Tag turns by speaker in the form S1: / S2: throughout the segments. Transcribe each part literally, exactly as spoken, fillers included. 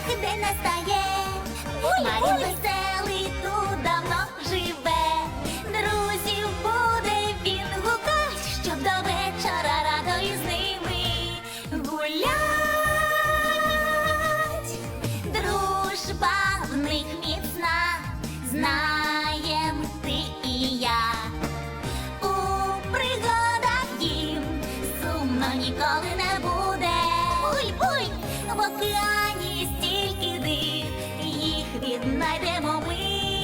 S1: день настає. Марін веселий тут давно живе. Друзів буде він гукать, щоб до вечора радо із ними гулять. Дружба в них міцна, знаєм ти і я. У пригадах їм сумно ніколи не буде. Буй-буй! В океані стільки див, їх віднайдемо ми.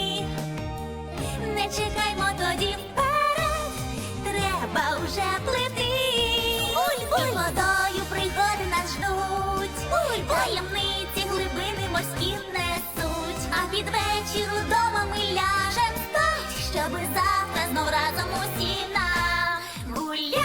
S1: Не чекаймо тоді вперед, треба вже плити. Буль-буль! Водою пригоди нас ждуть. Буль-буль! Таємниці глибини морські несуть. А під вечір удома ми ляжем спать, щоби завтра знов разом усі нагулять.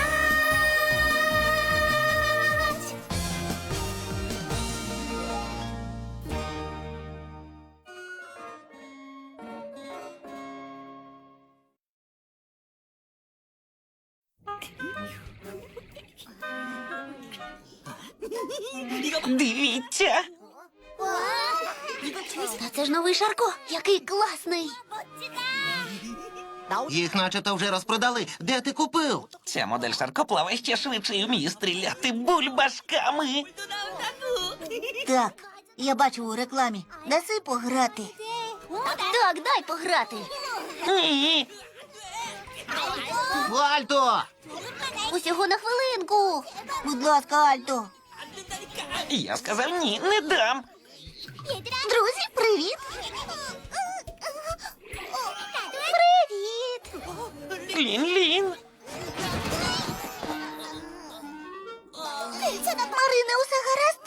S2: Дивіться!
S1: Та це ж новий Шарко, який класний.
S3: Їх начебто вже розпродали. Де ти купив?
S2: Ця модель Шарко плаває ще швидше і вміє стріляти бульбашками.
S4: Так, я бачу у рекламі. Даси пограти.
S1: Так, дай пограти.
S2: Ні,
S3: Альто!
S1: Усього на хвилинку.
S4: Будь ласка, Альто.
S2: я сказав ні, не дам.
S1: Друзі, привіт. Привіт.
S2: Лін-лін.
S1: Марине, усе гаразд?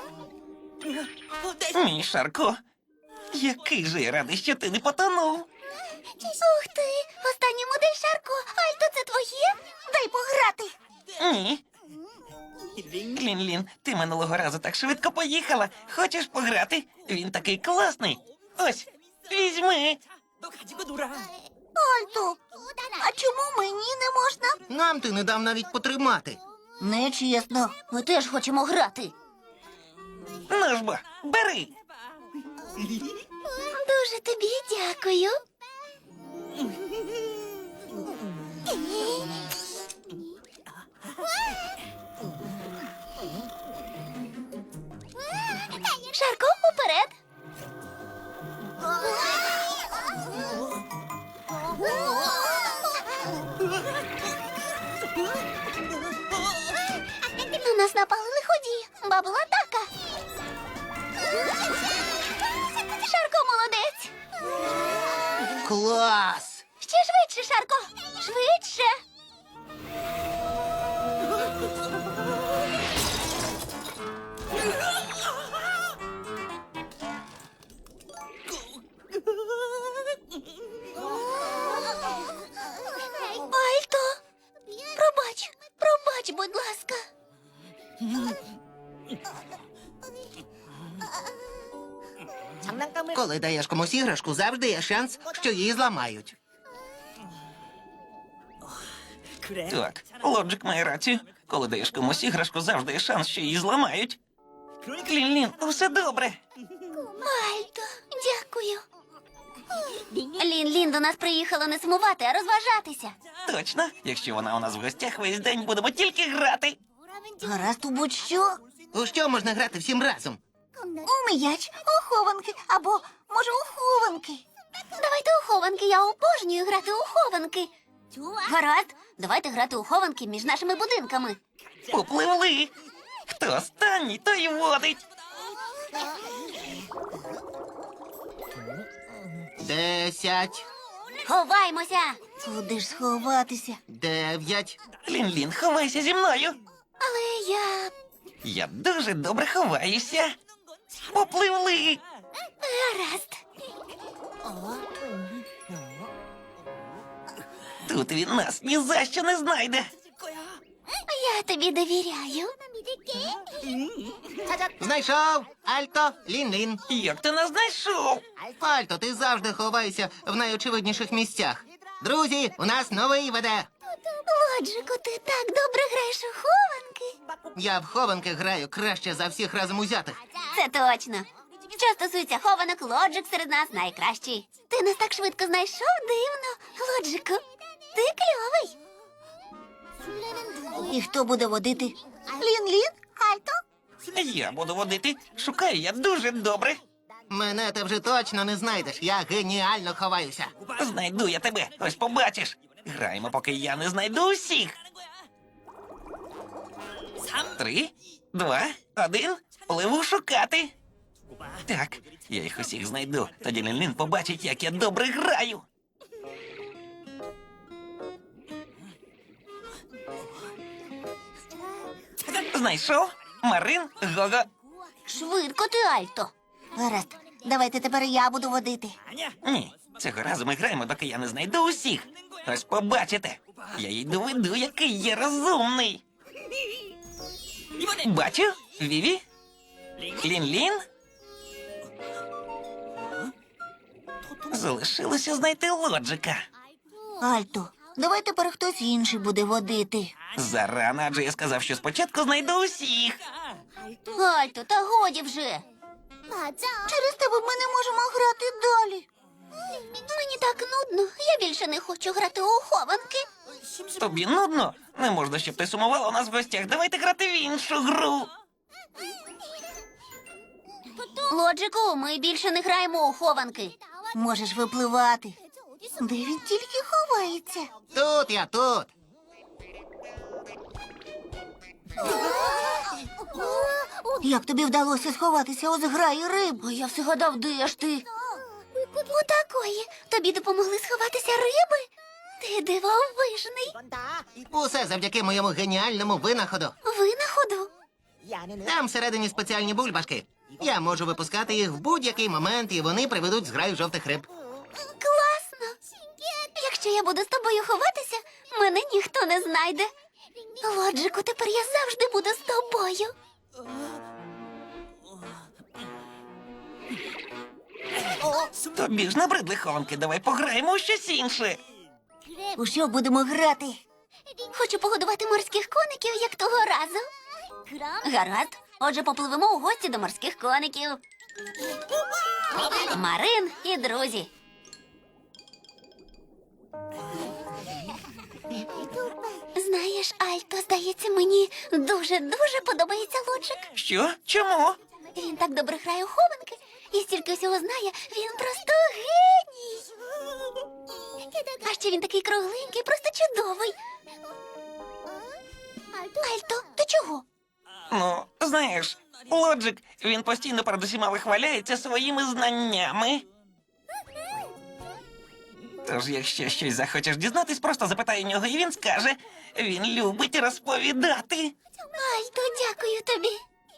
S2: Мій Шарко. Який же я радий, що ти не потонув.
S1: Ух ти, останній модель Шарко. Альто, це твоє? Дай пограти.
S2: Ні. Лін-лін, ти минулого разу так швидко поїхала. Хочеш пограти? Він такий класний. Ось, візьми.
S4: Альто, а чому мені не можна?
S3: Нам ти не дав навіть потримати.
S4: Нечесно.
S1: Ми теж хочемо грати.
S2: Ну ж бо, бери.
S1: Дуже тобі дякую. Шарко, уперед. На нас напали лиходії. Бабл-атака. Шарко молодець.
S3: Клас!
S1: Ще швидше, Шарко. Швидше. Альто, пробач, пробач, будь ласка.
S3: Коли даєш комусь іграшку, завжди є шанс, що її зламають.
S2: Так, Лоджик має рацію. Коли даєш комусь іграшку, завжди є шанс, що її зламають. Лін-лін, усе добре.
S1: Альто, дякую. Лін-Лін до нас приїхала не сумувати, а розважатися.
S2: Точно, якщо вона у нас в гостях, весь день будемо тільки грати.
S4: Гаразд у будь-що.
S3: У що можна грати всім разом?
S4: У м'яч, у хованки, або, може, у хованки.
S1: Давайте у хованки, я обожнюю грати у хованки. Гаразд, давайте грати у хованки між нашими будинками.
S2: Попливли. Хто останній, той водить.
S3: Десять,
S1: Ховаймося.
S4: Куди ж сховатися?
S3: дев'ять,
S2: Лін-лін, ховайся зі мною.
S1: Але я...
S2: Я дуже добре ховаюся. Попливли.
S1: Гаразд.
S2: Тут він нас ні за що не знайде.
S1: Я тобі довіряю.
S3: знайшов! Альто, Лін-лін.
S2: Як ти нас знайшов?
S3: Альто, ти завжди ховаєшся в найочевидніших місцях. Друзі, у нас новий веде.
S1: Лоджику, ти так добре граєш у хованки.
S3: Я в хованки граю краще за всіх разом узятих.
S1: Це точно. Що стосується хованок, Лоджик серед нас найкращий. Ти нас так швидко знайшов, дивно. Лоджику, ти кльовий.
S4: І хто буде водити? Лін-лін? Альто?
S2: Я буду водити. Шукаю я дуже добре.
S3: Мене ти вже точно не знайдеш. Я геніально ховаюся.
S2: Знайду я тебе. Ось побачиш. Граємо, поки я не знайду усіх. Три, два, один. Пливу шукати. Так, я їх усіх знайду. Тоді Лін-Лін побачить, як я добре граю. Знайшов? Марин, Гого.
S1: Швидко ти, Альто.
S4: Гаразд, давайте тепер я буду водити.
S2: Ні, цього разу ми граємо, доки я не знайду усіх. Ось побачите. Я їй доведу, який я розумний. Бачу? Віві? Лін-Лін? Залишилося знайти Лоджика.
S4: Альто, давай тепер хтось інший буде водити.
S2: Зарано, адже я сказав, що спочатку знайду усіх.
S1: Альто, та годі вже.
S4: Через тебе ми не можемо грати далі.
S1: Мені так нудно. Я більше не хочу грати у хованки.
S2: Тобі нудно? Не можна, щоб ти сумувала у нас в гостях. Давайте грати в іншу гру.
S1: Лоджику, ми більше не граємо у хованки.
S4: Можеш випливати. Де він тільки ховається?
S3: Тут я, тут.
S4: Як тобі вдалося сховатися у зграї риб?
S1: А я все гадав, де ж ти? Отакої. Тобі допомогли сховатися риби? Ти дивовижний.
S3: Усе завдяки моєму геніальному винаходу.
S1: Винаходу.
S3: Там всередині спеціальні бульбашки. Я можу випускати їх в будь-який момент, і вони приведуть зграю жовтих риб.
S1: Класно. Якщо я буду з тобою ховатися, мене ніхто не знайде. Лоджику, тепер я завжди буду з тобою.
S2: Тобі ж набридли хованки, давай пограємо у щось інше.
S4: У що будемо грати?
S1: Хочу погодувати морських коників, як того разу. Гаразд. Отже, попливемо у гості до морських коників. Марин і друзі. Знаєш, Альто, здається, мені дуже-дуже подобається Лоджик.
S2: Що? Чому?
S1: Він так добре грає у хованки і стільки всього знає, він просто геній. А ще він такий кругленький, просто чудовий. Альто, ти чого?
S2: Ну, знаєш, Лоджик, він постійно перед усіма вихваляється своїми знаннями. Тож, якщо щось захочеш дізнатись, просто запитай у нього, і він скаже. Він любить розповідати.
S1: Альто, дякую тобі.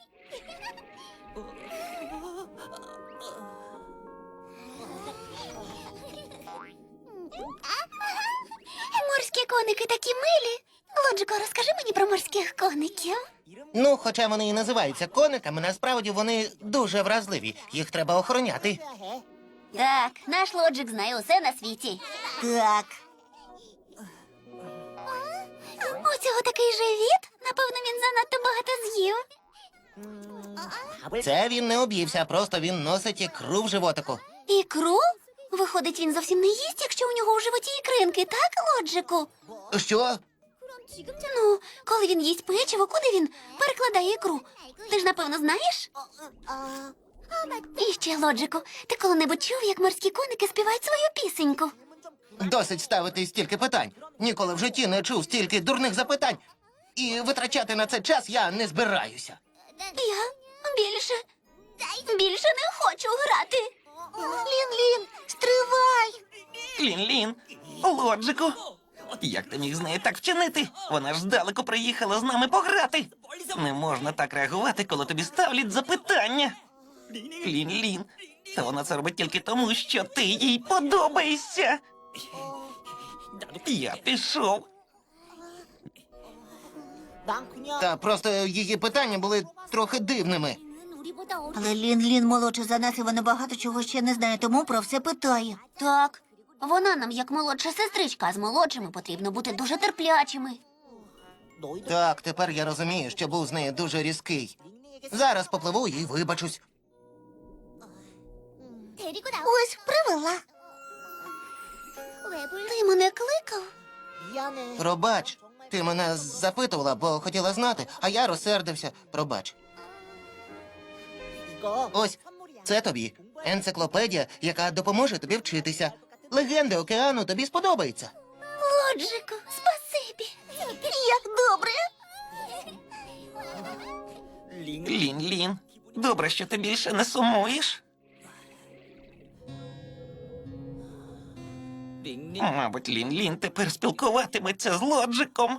S1: Морські коники такі милі. Лоджико, розкажи мені про морських коників.
S3: Ну, хоча вони і називаються кониками, насправді вони дуже вразливі. Їх треба охороняти.
S1: Так, наш Лоджик знає усе на світі.
S4: Так.
S1: У цього такий живіт. Напевно, він занадто багато з'їв.
S3: Це він не об'ївся, просто він носить ікру в животику.
S1: Ікру? Виходить, він зовсім не їсть, якщо у нього у животі ікринки, так, Лоджику?
S3: Що?
S1: Ну, коли він їсть печиво, куди він перекладає ікру? Ти ж, напевно, знаєш? І ще, Лоджику, ти коли-небудь чув, як морські коники співають свою пісеньку?
S3: Досить ставити стільки питань. Ніколи в житті не чув стільки дурних запитань. І витрачати на це час я не збираюся.
S1: Я більше, більше не хочу грати.
S4: Лін-лін, стривай!
S2: Лін-Лін, Лоджику. Як ти міг з нею так вчинити? Вона ж здалеку приїхала з нами пограти. Не можна так реагувати, коли тобі ставлять запитання. Лін-Лін, та вона це робить тільки тому, що ти їй подобаєшся. Я пішов.
S3: Та просто її питання були трохи дивними.
S4: Але Лін-лін молодша за нас, і вона багато чого ще не знає, тому про все питає.
S1: Так, вона нам як молодша сестричка, а з молодшими потрібно бути дуже терплячими.
S3: Так, тепер я розумію, що був з нею дуже різкий. Зараз попливу і вибачусь.
S4: Ось привела.
S1: Ти мене кликав?
S3: Пробач, ти мене запитувала, бо хотіла знати, а я розсердився. Пробач. Ось, це тобі. Енциклопедія, яка допоможе тобі вчитися. Легенди океану тобі сподобаються.
S1: Лоджику, спасибі.
S4: Як добре.
S2: Лін, Лін, добре, що ти більше не сумуєш. Мабуть, Лін Лін тепер спілкуватиметься з Лоджиком.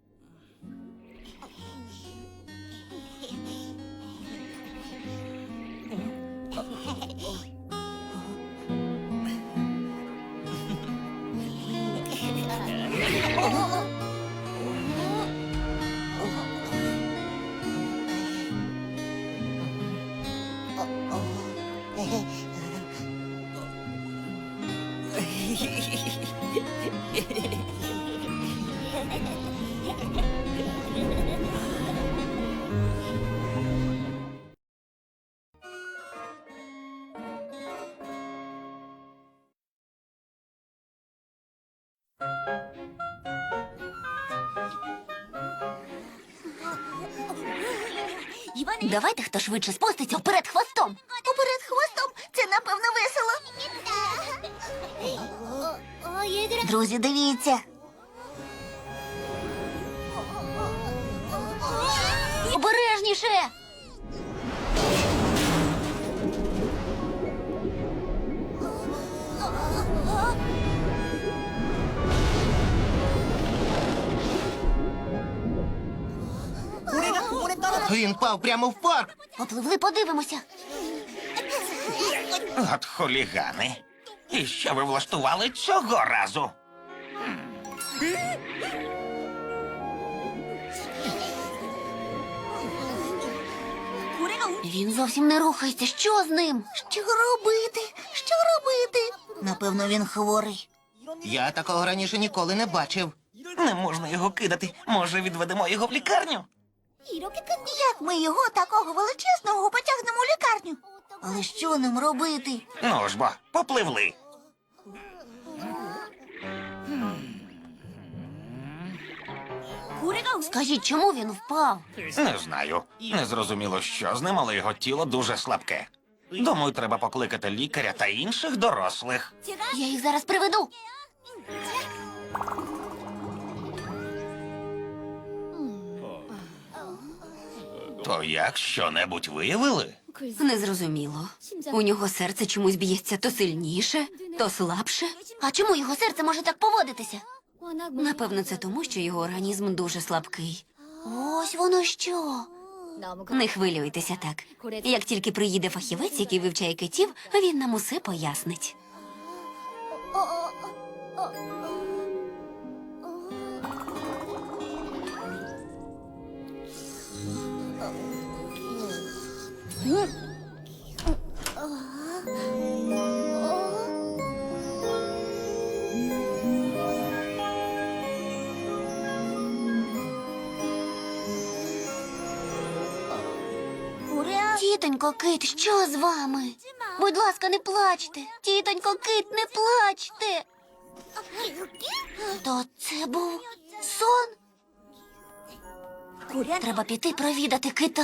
S1: Давайте хто швидше спуститься вперед хвостом.
S4: Уперед хвостом. Це, напевно, весело. Друзі, дивіться.
S1: Обережніше.
S3: Він впав прямо в парк.
S1: Попливли, подивимося.
S2: От хулігани. І що ви влаштували цього разу?
S1: Він зовсім не рухається. Що з ним?
S4: Що робити? Що робити? Напевно, він хворий.
S3: Я такого раніше ніколи не бачив.
S2: Не можна його кидати. Може, відведемо його в лікарню?
S4: Як ми його такого величезного потягнемо у лікарню? Але що нам робити?
S2: Ну ж бо, попливли.
S1: Скажіть, чому він впав?
S2: Не знаю. Не зрозуміло, що з ним, але його тіло дуже слабке. Думаю, треба покликати лікаря та інших дорослих.
S1: Я їх зараз приведу.
S2: То як, що-небудь виявили?
S1: Незрозуміло. У нього серце чомусь б'ється то сильніше, то слабше. А чому його серце може так поводитися? Напевно, це тому, що його організм дуже слабкий. Ось воно що. Не хвилюйтеся так. Як тільки приїде фахівець, який вивчає китів, він нам усе пояснить. Тітонько Кит, що з вами? Будь ласка, не плачте. Тітонько Кит, не плачте. То це був сон? Треба піти провідати кита.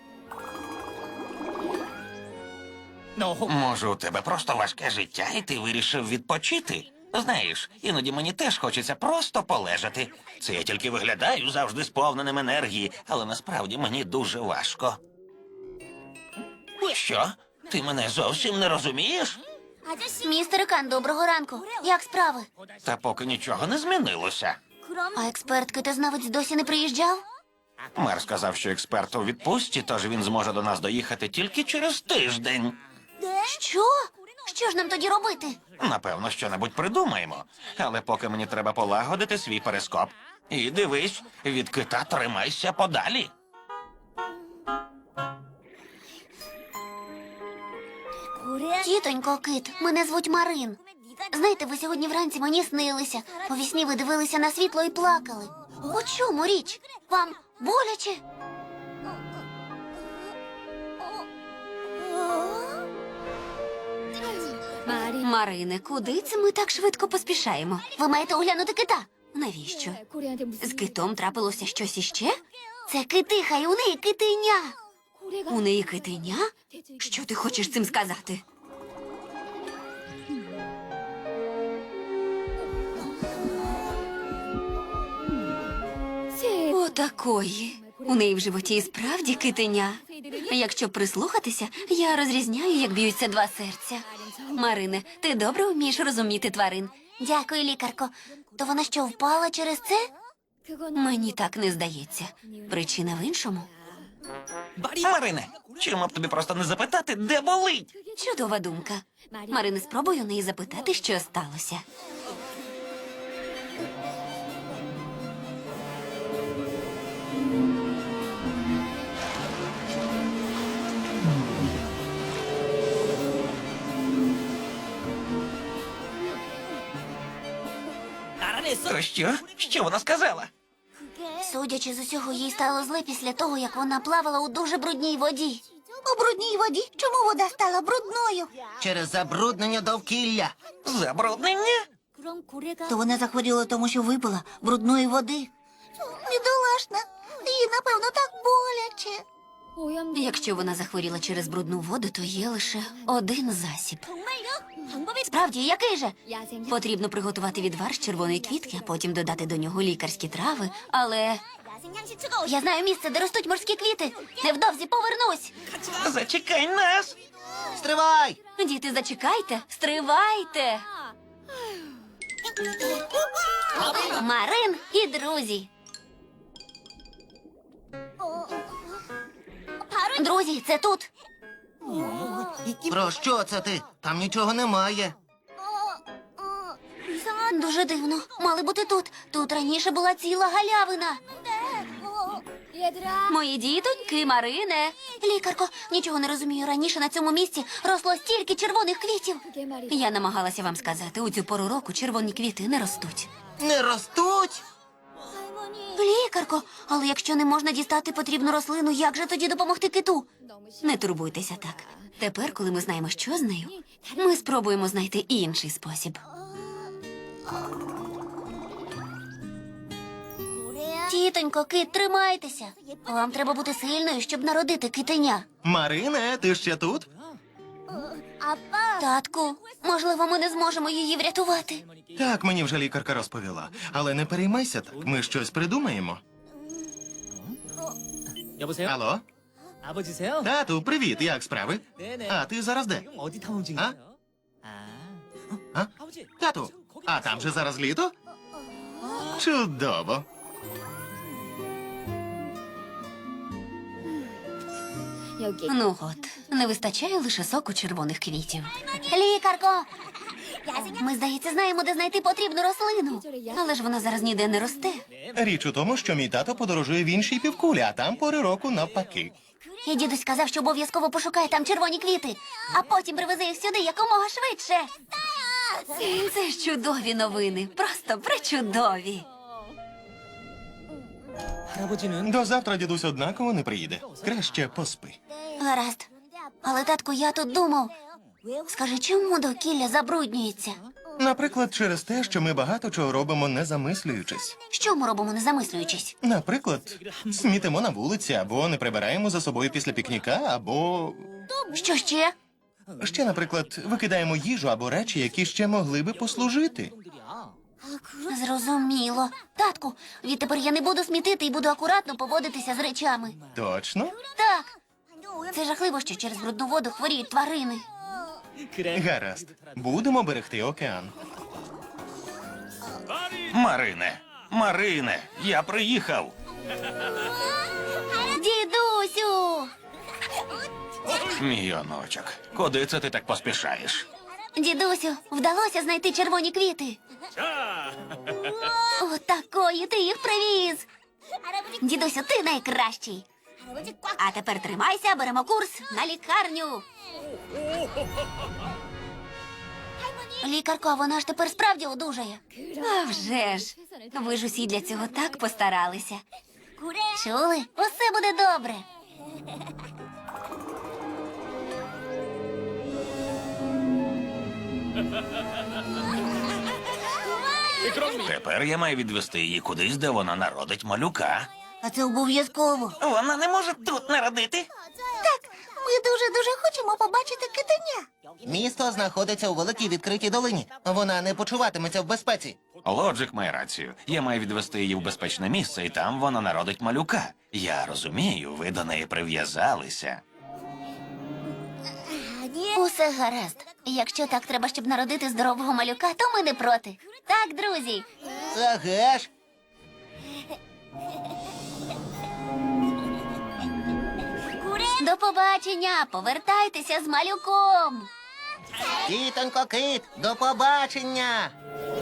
S2: Може, у тебе просто важке життя, і ти вирішив відпочити? Знаєш, іноді мені теж хочеться просто полежати. Це я тільки виглядаю завжди сповненим енергії, але насправді мені дуже важко. Що? Ти мене зовсім не розумієш?
S1: Містер Кан, доброго ранку. Як справи?
S2: Та поки нічого не змінилося.
S1: А експерт китознавець досі не приїжджав?
S2: Мер сказав, що експерт у відпустці, тож він зможе до нас доїхати тільки через тиждень.
S1: Що? Що ж нам тоді робити?
S2: Напевно, що-небудь придумаємо. Але поки мені треба полагодити свій перископ. І дивись, від кита тримайся подалі.
S1: Тітонько Кит, мене звуть Марин. Знаєте, ви сьогодні вранці мені снилися. У вісні ви дивилися на світло і плакали. У чому річ? Вам боляче? Марине, куди це ми так швидко поспішаємо? Ви маєте оглянути кита. Навіщо? З китом трапилося щось іще? Це китиха, і у неї китеня. У неї китеня? Що ти хочеш цим сказати? Отакої. У неї в животі і справді китеня. Якщо прислухатися, я розрізняю, як б'ються два серця. Марине, ти добре вмієш розуміти тварин. Дякую, лікарко. То вона що, впала через це? Мені так не здається. Причина в іншому.
S2: Марине, чому б тобі просто не запитати, де болить?
S1: Чудова думка. Марине, спробуй у неї запитати, що сталося.
S2: То що? Що вона сказала?
S1: Судячи з усього, їй стало зле після того, як вона плавала у дуже брудній воді.
S4: У брудній воді? Чому вода стала брудною?
S3: Через забруднення довкілля.
S2: Забруднення?
S4: То вона захворіла тому, що випила брудної води. Бідолашна, їй, напевно, так боляче.
S1: Якщо вона захворіла через брудну воду, то є лише один засіб. Справді, який же? Потрібно приготувати відвар з червоної квітки, а потім додати до нього лікарські трави. Але я знаю місце, де ростуть морські квіти. Невдовзі повернусь.
S2: Зачекай нас!
S3: Стривай!
S1: Діти, зачекайте, стривайте. Марин і друзі. Друзі, це тут.
S3: Про що це ти? Там нічого немає.
S1: Дуже дивно. Мали бути тут. Тут раніше була ціла галявина. Мої дітоньки, Марине. Лікарко, нічого не розумію. Раніше на цьому місці росло стільки червоних квітів. Я намагалася вам сказати, у цю пору року червоні квіти не ростуть.
S3: Не ростуть?
S1: Лікарко, але якщо не можна дістати потрібну рослину, як же тоді допомогти киту? Не турбуйтеся так. Тепер, коли ми знаємо, що з нею, ми спробуємо знайти інший спосіб. Тітонько, кит, тримайтеся. Вам треба бути сильною, щоб народити китеня.
S3: Марине, ти ще тут?
S1: Татку, можливо, ми не зможемо її врятувати.
S5: Так, мені вже лікарка розповіла. Але не переймайся так, ми щось придумаємо.
S6: 여보세요?
S5: Алло?
S6: 아버지세요?
S5: Тату, привіт, як справи?
S6: 네네.
S5: А ти зараз де?
S6: 지금 어디 탐험 중이세요? 아.
S5: А?
S6: 아버지.
S5: Тату, а там же зараз літо? Чудово.
S1: Ну от, не вистачає лише соку червоних квітів. Лікарко! Ми, здається, знаємо, де знайти потрібну рослину. Але ж вона зараз ніде не росте.
S5: Річ у тому, що мій тато подорожує в іншій півкулі, а там пори року навпаки.
S1: І дідусь сказав, що обов'язково пошукає там червоні квіти, а потім привезе їх сюди якомога швидше. Це ж чудові новини, просто пречудові.
S6: 할아버지는
S5: До завтра дідусь однаково не приїде. Краще поспи.
S1: Гаразд. Але, татку, я тут думав. Скажи, чому довкілля забруднюється?
S5: Наприклад, через те, що ми багато чого робимо, не замислюючись.
S1: Що ми робимо, не замислюючись?
S5: Наприклад, смітимо на вулиці, або не прибираємо за собою після пікніка, або
S1: Що ще?
S5: ще, наприклад, викидаємо їжу або речі, які ще могли би послужити.
S1: Зрозуміло. Татку, відтепер я не буду смітити і буду акуратно поводитися з речами.
S5: Точно?
S1: Так. Це жахливо, що через брудну воду хворіють тварини.
S5: Гаразд. Будемо берегти океан.
S2: Марине, Марине, я приїхав.
S1: Дідусю!
S2: Мій онучок, куди це ти так поспішаєш?
S1: Дідусю, вдалося знайти червоні квіти. О, такої ти їх привіз. Дідусю, ти найкращий. А тепер тримайся, беремо курс на лікарню. Лікарко, вона ж тепер справді одужає. А вже ж. Ви ж усі для цього так постаралися. Чули? Усе буде добре.
S2: Тепер я маю відвести її кудись, де вона народить малюка.
S4: А це обов'язково.
S2: Вона не може тут народити.
S4: Так, ми дуже-дуже хочемо побачити китеня.
S3: Місто знаходиться у великій відкритій долині. Вона не почуватиметься в безпеці.
S2: Лоджик має рацію. Я маю відвести її в безпечне місце, і там вона народить малюка. Я розумію, ви до неї прив'язалися.
S1: Усе гаразд. Якщо так треба, щоб народити здорового малюка, то ми не проти. Так, друзі.
S3: Ага ж.
S1: До побачення. Повертайтеся з малюком.
S3: Тітонько кит, до побачення.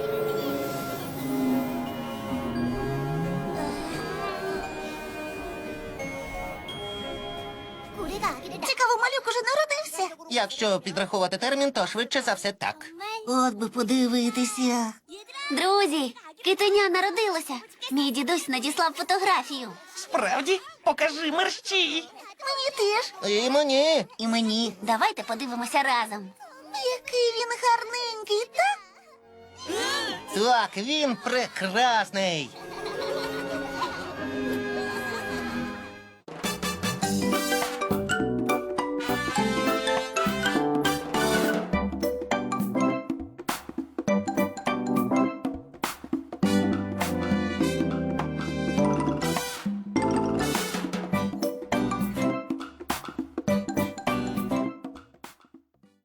S4: Цікаво, малюк уже народився.
S3: Якщо підрахувати термін, то швидше за все так.
S4: От би подивитися.
S1: Друзі, китеня народилося. Мій дідусь надіслав фотографію.
S2: Справді? Покажи мерщій.
S4: Мені теж.
S3: І мені.
S4: І мені.
S1: Давайте подивимося разом.
S4: Який він гарненький, так?
S3: Так, він прекрасний.